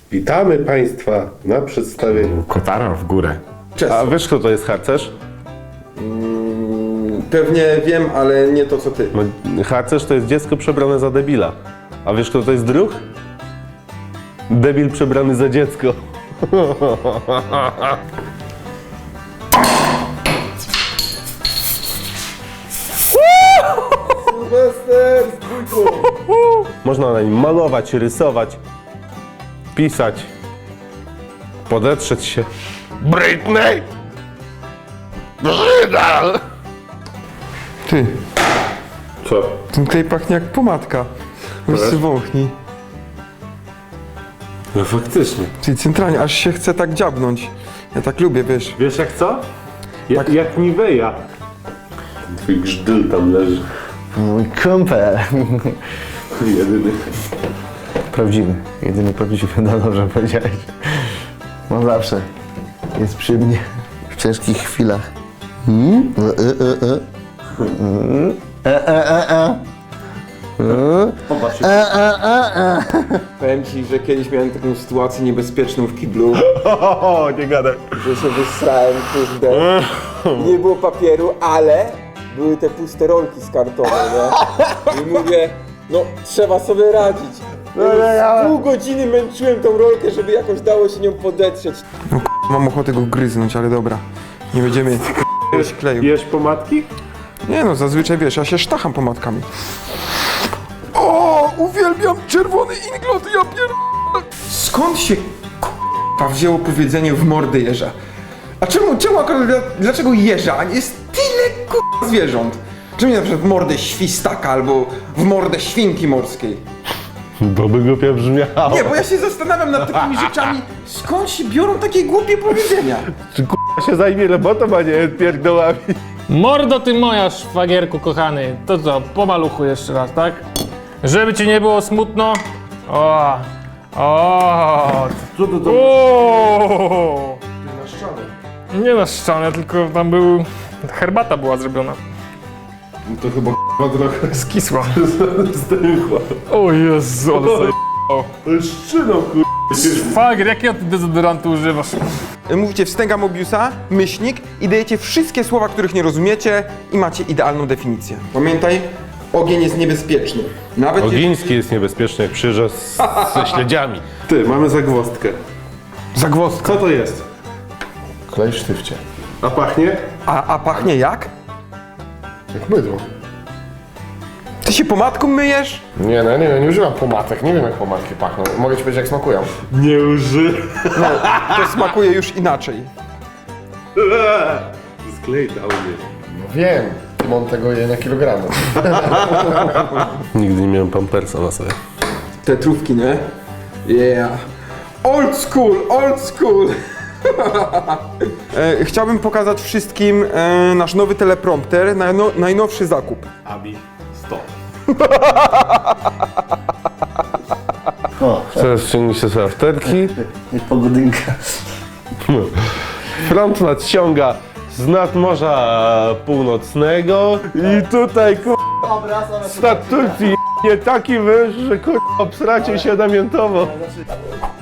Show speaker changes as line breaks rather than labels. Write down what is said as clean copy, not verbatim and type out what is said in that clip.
Witamy Państwa na przedstawieniu.
Kotara w górę.
Cześć.
A wiesz kto to jest harcerz?
Pewnie wiem, ale nie to co ty.
No, harcerz to jest dziecko przebrane za debila. A wiesz kto to jest druh? Debil przebrany za dziecko.
Sylwester, spójrz.
Można na nim malować, rysować, pisać, podetrzeć się. Britney! Brzydal!
Ty,
Co?
ten klej pachnie jak pomadka. Weź się wąchnij.
No faktycznie.
Czyli centralnie, aż się chce tak dziabnąć. Ja tak lubię, wiesz.
Wiesz jak co? Jak Nivea. Twój grzdel tam leży.
Mój kumpel.
Jedyny.
Prawdziwy. Jedyny prawdziwy. No dobrze powiedziałeś. On zawsze jest przy mnie w ciężkich chwilach.
Powiem ci, że kiedyś miałem taką sytuację niebezpieczną w kiblu,
O, nie gadaj.
że się wysrałem, kurde. Nie było papieru, ale były te puste rolki z kartonu, nie? I mówię, no trzeba sobie radzić. Pół godziny męczyłem tą rolkę, żeby jakoś dało się nią podetrzeć. No mam ochotę go gryznąć, ale dobra. Nie będziemy kleju.
Jesz pomadki?
Nie no, zazwyczaj wiesz, ja się sztacham pomadkami. O, uwielbiam czerwony inglot, ja Skąd się wzięło powiedzenie w mordę jeża? A czemu akurat, dlaczego jeża? A jest tyle zwierząt. Czemu nie na przykład w mordę świstaka albo w mordę świnki morskiej?
Bo by głupio brzmiało.
Nie, bo ja się zastanawiam nad takimi rzeczami, skąd się biorą takie głupie powiedzenia?
Czy się zajmie robotą, a nie pierdołami?
Mordo ty moja, szwagierku kochany. To co, po maluchu jeszcze raz, tak? Żeby ci nie było smutno. O!
Co to
O! Nie na ścianę, tylko tam był... Herbata była zrobiona.
To chyba trochę
Skisła.
zdechła.
O Jezu, ale sobie...
To jest szczyną,
Szwagier, jakiego ty dezodorantu używasz?
Mówicie wstęga Mobiusa, myślnik i dajecie wszystkie słowa, których nie rozumiecie i macie idealną definicję. Pamiętaj, ogień jest niebezpieczny. Nawet
Ogiński jest niebezpieczny, jak przyjeżdża ze śledziami. Ty, mamy zagwozdkę.
zagwozdka.
Co to jest?
Klej w sztywcie.
A pachnie?
A pachnie jak?
Jak bydło.
Ty się pomadką myjesz?
Nie, no nie używam pomadek. Nie wiem jak pomadki pachną. Mogę ci powiedzieć jak smakują.
Nie uży.
To smakuje już inaczej.
Sklej dał mnie.
No wiem. Mam tego je na kilogramy.
Nigdy nie miałem pampersa na sobie.
Te trówki, nie? Yeah. Old school, old school. Chciałbym pokazać wszystkim nasz nowy teleprompter, najnowszy zakup.
Abi 100.
O,
Teraz ściągnij się sobie afterki.
jak pogodynka.
Front nadciąga z nadmorza północnego i tutaj stad Turcji nie taki wyż, że obsracie się namiętowo.